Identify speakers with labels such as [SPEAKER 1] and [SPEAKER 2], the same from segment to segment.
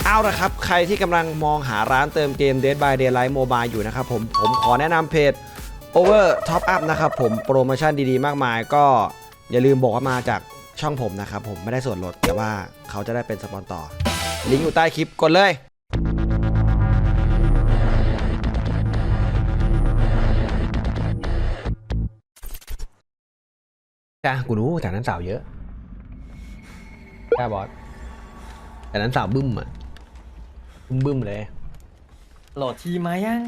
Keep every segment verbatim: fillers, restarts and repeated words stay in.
[SPEAKER 1] เอาละครับใครที่กำลังมองหาร้านเติมเกม Dead by Daylight Mobile อยู่นะครับผมผมขอแนะนำเพจ Over Top Up นะครับผมโปรโมชั่นดีๆมากมายก็อย่าลืมบอกว่ามาจากช่องผมนะครับผมไม่ได้ส่วนลดแต่ว่าเขาจะได้เป็นสปอนต่อลิงก์อยู่ใต้คลิปกดเลยจ้ากูรู้แต่นั้นสาวเยอะจ้าบอสแต่นั้นสาวบึ้มอ่ะบึ้มบึ้มเลย
[SPEAKER 2] โหลดทีมายัง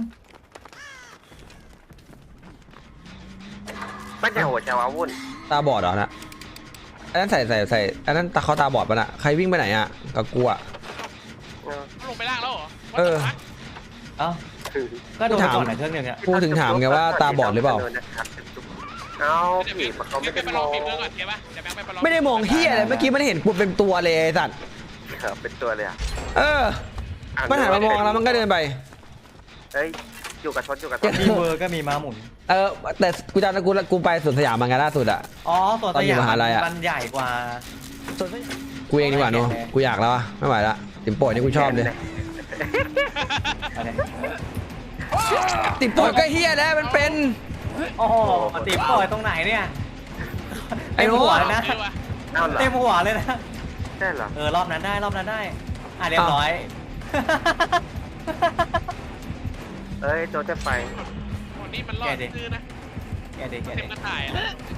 [SPEAKER 3] ไม่ใช่หัวจะว้าวุ่น
[SPEAKER 1] ตาบอดเหรอนะอันนั้นใส่ใส่ใส่อันนั้นตาเขาตาบอดปะน่ะใครวิ่งไปไหนอ่ะกับกูอ่ะ
[SPEAKER 4] ลงไปล่างแล้วเหรอ
[SPEAKER 1] เออ
[SPEAKER 2] เอ้าก็โดนก่อนในเครื่องหนึ่งอ่ะ
[SPEAKER 1] กูถึงถามไงว่าตาบอดหรือเปล่า
[SPEAKER 3] เอาผีเขาไม่ได้มอง
[SPEAKER 1] ไม่ได้มองเฮียอะไรเมื่อกี้มันเห็นกูเป็นตัวเลยไอ้สัตว์
[SPEAKER 3] เป็นตัวเลยอ่ะ
[SPEAKER 1] เออมันหันมามองแล้วมันก็เดินไป
[SPEAKER 3] เฮ้ยอยู่กับชนอยู่กับชน
[SPEAKER 2] มีเวอร์ก็มีม้าหมุน
[SPEAKER 1] เออแต่กูจำได้กูกูไปสวนสยามมาไงล่าสุดอ่ะ
[SPEAKER 2] อ๋อสวนสยามมันใหญ่กว่า
[SPEAKER 1] กูเองดีกว่าเนาะกูอยากแล้วอะไม่ไหวละติ่มโป่ยนี่กูชอบเลยติ่มโป่ยก็เฮียแล้วมันเป็น
[SPEAKER 2] โอ้โหติ่มโป่ยตรงไหนเนี่ยไอ้หัวนะเต็มหัวเลยนะ
[SPEAKER 3] ใช่เหรอ
[SPEAKER 2] เออรอบนั้นได้รอบนั้นได้อ่ะเรียบร้อย
[SPEAKER 3] เอ้ยโจจะไป
[SPEAKER 4] วันนี้มันรอดซื้อนะ
[SPEAKER 2] แกเด็กแกเด็ก
[SPEAKER 4] กระต่าย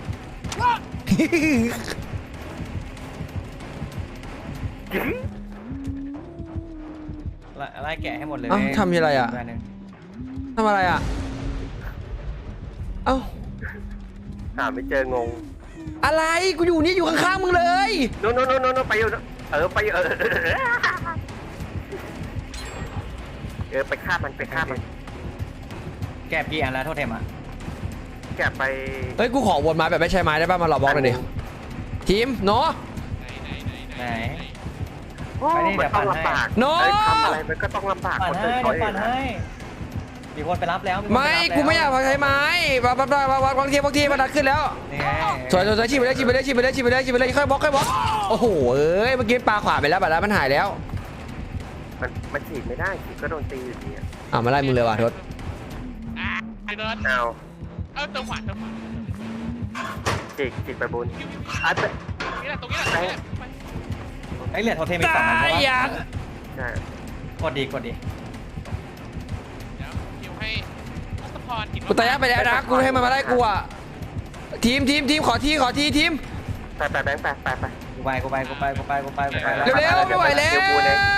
[SPEAKER 2] ไล่แกะให้หมดเลย
[SPEAKER 1] ทำอะไรอ่ะทำอะไรอ่ะเอ้า
[SPEAKER 3] หาไม่เจองง
[SPEAKER 1] อะไรกูอยู่นี่อยู่ข้างๆมึงเลย
[SPEAKER 3] โน่นโน่นโน่นไปอยู่เออไปเออเออไปฆ่ามันไปฆ่ามัน
[SPEAKER 2] แกะกี่อันแล้วโทษเทมอ่ะ
[SPEAKER 3] แกะไป
[SPEAKER 1] เฮ้ยกูขอวนไม้แบบไม่ใช่ไม้ได้ป่ะมาหลอกบล็อกเลยดิทีมเนาะ
[SPEAKER 2] ไหน
[SPEAKER 3] ไปนี่มันต้องลำบากเนาะทำอะไรมันก็ต้องลำบากคนอื่นเขาเอง
[SPEAKER 2] มีคนไปรับแล้ว
[SPEAKER 1] ไม่กูไม่อยากใช้ไม้วัดวัดวัดวัดบางทีบางทีมันดันขึ้นแล้วสวยสวยสวยชิบไปเลยชิบไปเลยชิบไปเลยชิบไปเลยชิบไปเลยค่อยบล็อกค่อยบล็อกโอ้โหเอ้ยเมื่อกี้ปลาขวาไปแล้วบัดแล้วมันหายแล้ว
[SPEAKER 3] มันมันฉีดไม่ได้ฉีดก็โดนตีอยู่ดี
[SPEAKER 1] อ่ะมาไล่มึงเลยว่ะทศ
[SPEAKER 4] ไอ้เดิน
[SPEAKER 3] เอา
[SPEAKER 4] เอาเติมขวานเติมขวาน
[SPEAKER 3] ฉีดฉีดไปบุญไอ้เป็
[SPEAKER 4] นี่แหละตรงนี้แหละ
[SPEAKER 2] ไอ้เหรียญโทเทมอีกสองอันเพราะว่า
[SPEAKER 3] ใช่
[SPEAKER 2] กดดีกดดี
[SPEAKER 1] กูตายไปแล้วนะกูให้มันมาไล่กูอ่ะทีมทีมทีมขอทีขอทีทีม
[SPEAKER 3] ไปไปแบงค์ไปไปไป
[SPEAKER 2] กูไปกูไปกูไปกูไปกูไปกูไป
[SPEAKER 1] เร็วๆไม่ไหวแล้ว
[SPEAKER 2] กู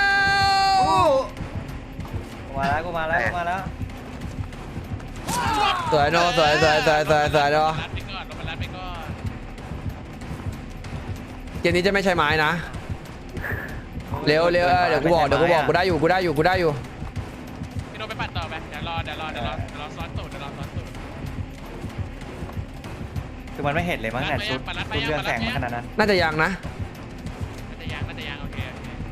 [SPEAKER 2] มาแล้วกูมาแล้วกูมาแล้ว
[SPEAKER 1] สวยเนาะสวยสวยสวยสวยสวยเนาะเกมนี้จะไม่ใช่ไม้นะเร็วเร็วเดี๋ยวกูบอกเดี๋ยวกูบอกกูได้อยู่กูได้อยู่กูได้อยู่
[SPEAKER 4] พี่โนไปปัดต่อไปเดี๋ยวรอเดี๋ยวรอเดี๋ยวรอเดี๋ยวรอซ้อนตูดเดี๋ยวรอซ้อนตูด
[SPEAKER 2] คือมันไม่เห็นเลยมั้งแต่ชุดชุดเรืองแสงขนาดนั้น
[SPEAKER 1] น่าจะยังนะ
[SPEAKER 4] น่าจะยังน่าจะยังโอเค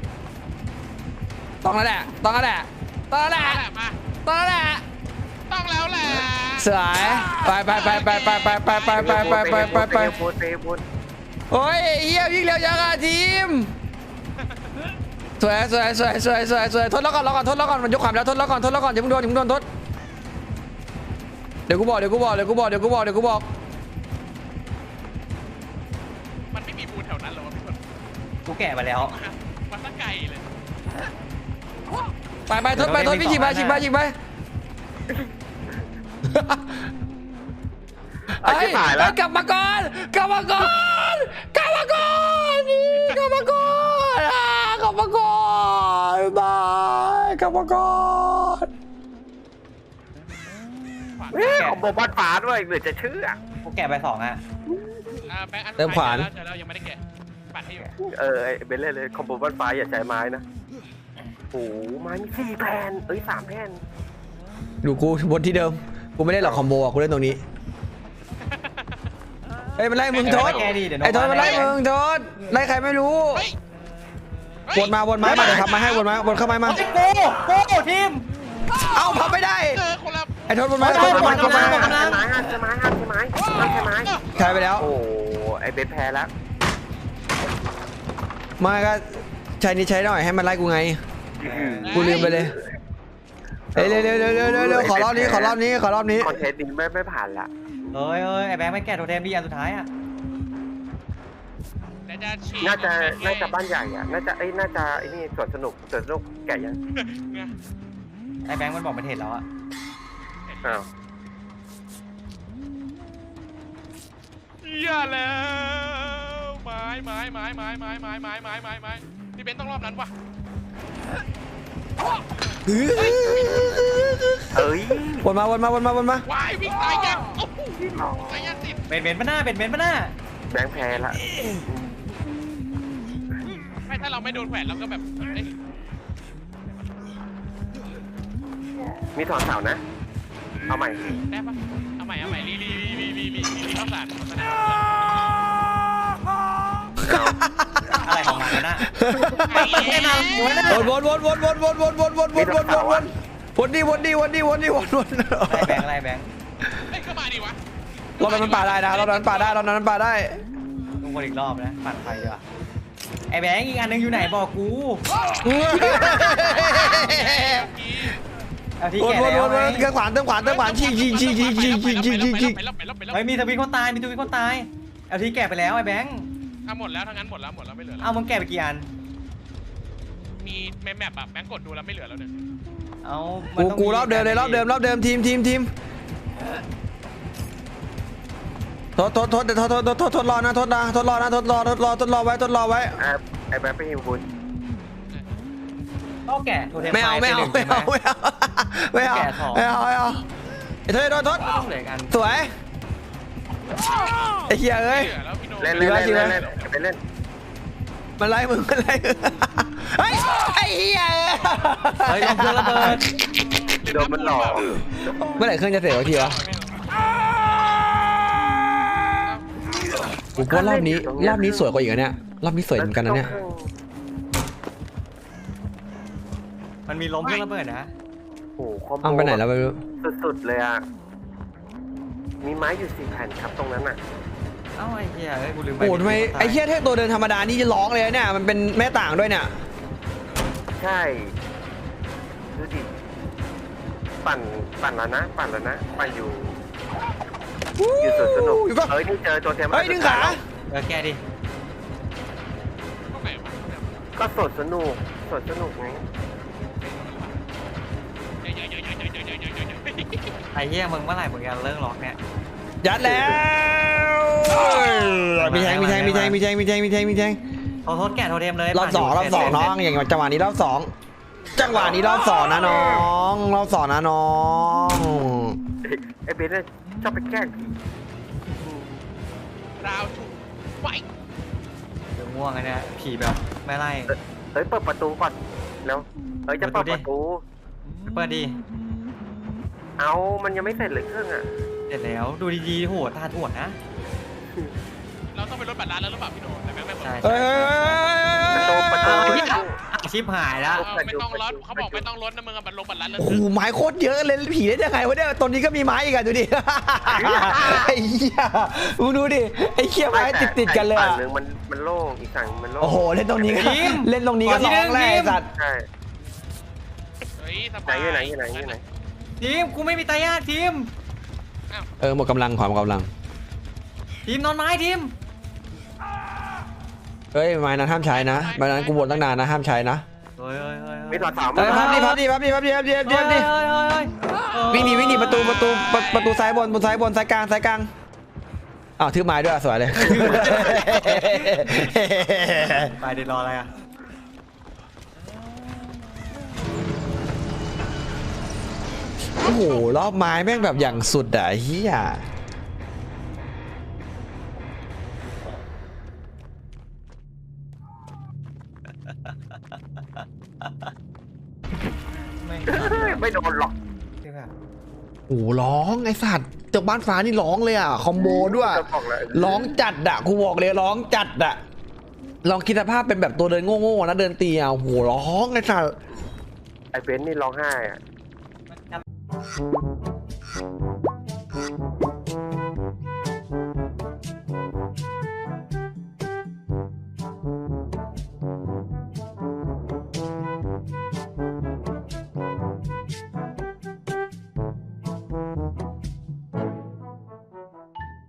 [SPEAKER 1] ต้องแล้วแหละต้องแล้วแหละต้องแล้วแหละต้องแล้วแหละ
[SPEAKER 4] ต้องแล้วแหละ
[SPEAKER 1] สวยไปไปไปไปไปไปไปไปไปไปไปไปไปโอ้ยเฮียวิ่งเร็วจังอ่ะทีมสวยสวยสวยสวยสวยสวยทดแล้วก่อนแล้วก่อนทดแล้วก่อนมันยกขวานแล้วทดแล้วก่อนทดแล้วก่อนอย่าเพิ่งโดนอย่าเพิ่งโดนทดเดี๋ยวกูบอกเดี๋ยวกูบอกเดี๋ยวกูบอกเดี๋ยวกูบอกเดี๋ยวกูบอก
[SPEAKER 4] มันไม่มีบูนแถวนั้นหรอวะพี่คน
[SPEAKER 2] กูแก่ไปแล้ว
[SPEAKER 4] มันตั้งไกลเลย
[SPEAKER 1] ไปไปทดไปทดพี่ฉีกไปฉีกไปฉีกไปไอ้กลับมาก่อนกลับมาก่อนกลับมาก่อนกลับมาก่อนกลับมาก่อนบายกลับมาก่อน
[SPEAKER 3] ของโบบัตฟ้าด้วยเหมือนจะเชื่อ
[SPEAKER 2] กูแก่ไปสองอ่ะ
[SPEAKER 1] เติมขวาน
[SPEAKER 4] แล้วยังไม่ได้แกะปัดให้อยู่
[SPEAKER 3] เออไอเบลเล่เลยคอมโบบัตฟ้าอย่าใช้ไม้นะโอ้ไม้มีสี่แผ่นเอ้ยสามแผ่น
[SPEAKER 1] ดูกูบนที่เดิมกูไม่ได้หรอกคอมโบอ่ะกูเล่นตรงนี้เฮ้ยมันไล่มึงโทษไอ้โทษมันไล่มึงโทษไล่ใครไม่รู้วนมาวนไม้มาเดี๋ยวทำมาให้วนมาวนเข้ามามา
[SPEAKER 2] โก้โก้ทีม
[SPEAKER 1] เอ้าทำไม่ได้ไอ้โทษวนมา
[SPEAKER 3] ไม้ไม้ไม้ไม้ไม้ไม้ไม้ไม้ไม้ไม้
[SPEAKER 1] ใช้ไปแล้ว
[SPEAKER 3] โอ้ไอเบนแพ้แล้ว
[SPEAKER 1] มาก็ใช้นี่ใช้หน่อยให้มันไล่กูไงกูลืมไปเลยเร็วเร็วเร็วเร็วเร็วเร็วขอรอบนี้ขอรอบนี้ขอรอบนี้
[SPEAKER 3] คอนเทนต์นี้ไม่ไม่ผ่านละ
[SPEAKER 2] เฮ้ยเฮ้ยไอ้แบงค์ไม่แกะโทเทมดีอันสุดท้ายอ่ะ
[SPEAKER 4] แล้วจะฉีด
[SPEAKER 3] น่าจะน่าจะบ้านใหญ่อะน่าจะไอ้น่าจะไอ้นี่สวนสนุกสวนสนุกแก่ยัง
[SPEAKER 4] เนี่ย
[SPEAKER 2] ไอ้แบงค์มันบอกมันเห็นแล้วอ่ะ
[SPEAKER 3] อ้าว
[SPEAKER 4] อย่าแล้วไม้ไม้ไม้ไม้ไม้ไม้ไม้ไม้ไม้ไม้พี่เบนต้องรอบนั้นว่ะ
[SPEAKER 3] เอ้ย
[SPEAKER 1] วนมาวนมาวนมาวนมา
[SPEAKER 4] ว้ายวิ่งตายยังโอ้โหตายยังติด
[SPEAKER 2] เบนเบนปะหน้าเบนเบนปะหน้า
[SPEAKER 3] แบงค์แพ้ละ
[SPEAKER 4] ไม่ถ้าเราไม่โดนแขวนเราก็แบบเอ้ย
[SPEAKER 3] มีถอนเสานะ เอาใหม่
[SPEAKER 4] ได้ปะเอาใหม่เอาใหม่รีรีรีรีรีรีรีข้าวสารโฆษณา
[SPEAKER 2] อะไรของมันนะ
[SPEAKER 4] ไอ้เหี้ยนะ
[SPEAKER 1] วนวนวนวนวนวนวนวนวนวนวนวนวนวนวนดีวนดีวนดีวนดีวนวน
[SPEAKER 2] ไอ้แบงค์อะไรแบงค์
[SPEAKER 4] เฮ้ยเข้ามาดิวะ
[SPEAKER 1] รอบนั้นมันป่าได้นะรอบนั้นป่าได้รอบนั้นป่าได้
[SPEAKER 2] ต้องวนอีกรอบนะปั่นไฟดีกว่าไอ้แบงค์อีกอันนึงอยู่ไหนบอกกูเอาที่
[SPEAKER 1] วน
[SPEAKER 2] แกะ
[SPEAKER 1] วน
[SPEAKER 2] แล้ว
[SPEAKER 1] วน
[SPEAKER 2] ไง
[SPEAKER 1] วนเครื่องขวานเครื่องขวานเครื่องขวานชี้ชี้ชี้ชี้ชี้ชี้ชี้ชี้ชี้
[SPEAKER 4] ไปแล้วไปแล้วไปแล้ว
[SPEAKER 2] เฮ้ยมีทวีคนตายมีทวีคนตายเอาที่แกะไปแล้วไอ้แบงค์
[SPEAKER 4] อ่ะหมดแล้วทั้งนั้นหมดแล้วหมดแล้วไม่เหลือแล้ว
[SPEAKER 2] เอามึงแกะไปกี่อัน
[SPEAKER 4] มีแมปแมปแบบแบงกดดูแล้วไม่เหลือแล้วเนี่ย
[SPEAKER 2] เอามั
[SPEAKER 1] กู
[SPEAKER 2] นต้อง
[SPEAKER 1] กูรอบเดิมเลยรอบเดิมรอบเดิมทีมทีมทีมทดทดทดทดทดทดทดทดรอนะทดนะทดรอนะทดรอทดรอทดรอไว้ทดรอไว้
[SPEAKER 3] อ่ะไอ้แบงค์ไปฮิวบุญ
[SPEAKER 2] ต้องแกะโทเทม
[SPEAKER 1] ไม่เอาไม่เอาไม่เอาไม่เอาไม่เอาไม่เอาไม่เอาไอ้เธอโดนทด
[SPEAKER 2] ต้องเหลือกัน
[SPEAKER 1] สวยไอ้เหี้ยเอ้ย
[SPEAKER 4] เหลือแล้วพี่โน
[SPEAKER 3] เล่นเล่นเล่นเล่นเล่นไปเล่น
[SPEAKER 1] มันไล่มึงมันไล่มึงเฮ้ยไอ้เหี้ย
[SPEAKER 2] เฮ้ยลงเครื่องระเบิด
[SPEAKER 3] โดนมันหลอก
[SPEAKER 1] เมื่อไหร่เครื่องจะเสร็จวะทีวะกูว่ารอบนี้รอบนี้สวยกว่าอีกอะเนี่ยรอบนี้สวยเหมือนกันนะเนี่ย
[SPEAKER 2] มันมีล้มเครื่องระเบิดนะ
[SPEAKER 3] โอ้โหคอมโบ
[SPEAKER 1] เอาไปไหนแล้วไม่รู้
[SPEAKER 3] สุดๆเลยอ่ะ มีไม้อยู่สี่แผ่นครับตรงนั้นอ่ะ
[SPEAKER 2] เอ้าไอ้เหี้ยเอ้ยกูลืมไป
[SPEAKER 1] โอ้ทำไมไอ้เหี้ยเทพตัวเดินธรรมดานี่จะร้องเลยเนี่ยมันเป็นแม่ต่างด้วยเนี่ย
[SPEAKER 3] ใช่ ดูดิ ปั่น ปั่นแล้วนะ ปั่นแล้วนะ ปั่นอยู่ อยู่สวนสนุก
[SPEAKER 1] อยู่ปะ
[SPEAKER 3] เฮ้ย นี่เจอตัวเทม
[SPEAKER 1] เฮ้ยดึงขา
[SPEAKER 2] เออแกะดิ
[SPEAKER 4] ตรงไหนวะ
[SPEAKER 3] ก็สวนสนุกสวนสนุกไง
[SPEAKER 4] เยอะเยอะเยอะเยอะเยอะเยอะเยอะเยอะเยอะ
[SPEAKER 2] ไอ้เหี้ยมึงเมื่อไหร่มึงจะเลิกล็อกเนี่ย
[SPEAKER 1] ยัดแล้วมีแทงมีแทงมีแทงมีแทงมีแทงมีแทงมีแทง
[SPEAKER 2] ขอโทษแกะโทเทมเลย
[SPEAKER 1] รอบสองรอบสองน้องอย่างจังหวะนี้รอบสองจังหวะนี้รอบสองนะน้องรอบสองนะน้อง
[SPEAKER 3] ไอ้เบนเนี่ยชอบไปแกล้งผี
[SPEAKER 4] ราวถูกไว้
[SPEAKER 2] เดี๋ยวง่วงไอ้เนี่ยผีแบบไม่ไล่
[SPEAKER 3] เฮ้ย เปิดประตูก่อนแล้วเฮ้ย จะเปิดประตู
[SPEAKER 2] เปิดดิ
[SPEAKER 3] เอามันยังไม่เสร็จเลยเครื่องอ่ะ
[SPEAKER 2] เสร็จแล้วดูดีๆโหตาถ่วนนะ
[SPEAKER 4] เราต้องไปรถบัตรร้านแล้วหรือเปล่าพี่โนแต่แม่งไม่เปิด
[SPEAKER 2] ใช่
[SPEAKER 1] เฮ้ย
[SPEAKER 3] ประตูประตู
[SPEAKER 2] เอา
[SPEAKER 3] ประ
[SPEAKER 2] เหี้ย
[SPEAKER 3] ตู
[SPEAKER 2] ชิบหายแล้ว
[SPEAKER 4] ไม่ต้องรถเขาบอกไม่ต้องรถนะมึงอะบัตรลงบัตรร้านเลย
[SPEAKER 1] โอ้โหไม้โคตรเยอะเลยผีได้ยังไงวะเนี่ยตอนนี้ก็มีไม้อีกอะดูดิไอ้เหี้ยมึงดูดิไอ้เหี้ยไม้ติดติดๆกันเลย
[SPEAKER 3] ฝั่ง
[SPEAKER 1] อะ
[SPEAKER 3] หนึ่งมันมันโล่งอีกฝั่งมันโล่ง
[SPEAKER 1] โอ้โหเล่นตรงนี้ก็เล่นตรงนี้ก็ร้องแรกสัตว์
[SPEAKER 3] ใช่
[SPEAKER 4] เฮ้ยส
[SPEAKER 3] ไหน
[SPEAKER 4] บาย
[SPEAKER 3] อยู่ไหนอยู่ไหนอยู่ไหน
[SPEAKER 2] ทีมกูไม่มีตายากทีม
[SPEAKER 1] เออหมดกำลังขอหมดกำลัง
[SPEAKER 2] ทีมนอนไม้ทีม
[SPEAKER 1] เฮ้ยไม้นั้นห้ามใช้นะไม้นั้นกูบ่นตั้งนานนะห้ามใช้นะ
[SPEAKER 2] เฮ้ยเฮ้ยเฮ้ย
[SPEAKER 3] มีถอดเสา
[SPEAKER 1] เฮ้ยพับดิพับดิพับดิพับดิพับดิพับดิพับดิ
[SPEAKER 2] เฮ้ยเฮ้ยเฮ้ย
[SPEAKER 1] วิ่งหนีวิ่งหนีประตูประตูประตูซ้ายบนประตูซ้ายบนซ้ายกลางซ้ายกลางอ้าวถือไม้ด้วยสวยเลย
[SPEAKER 2] ไปเดี๋ยวรออะไรอ่ะ
[SPEAKER 1] โอ้โหรอบไม้แม่งแบบอย่างสุดอะเฮีย
[SPEAKER 2] ไม่
[SPEAKER 3] ไม่โดนหรอก
[SPEAKER 2] ที่แบบ
[SPEAKER 1] โอ้โหร้องไอสัตว์เจ้าบ้านฟ้านี่ร้องเลยอ่ะคอมโบด้วย
[SPEAKER 3] จะบอกเลย
[SPEAKER 1] ร้องจัดอะกูบอกเลยร้องจัดอะลองคิดสภาพเป็นแบบตัวเดินโง่ๆนะเดินตีอ่ะโอ้โหร้องไอสัตว์
[SPEAKER 3] ไอ้เบนนี่ร้องไห้อะ
[SPEAKER 2] มัน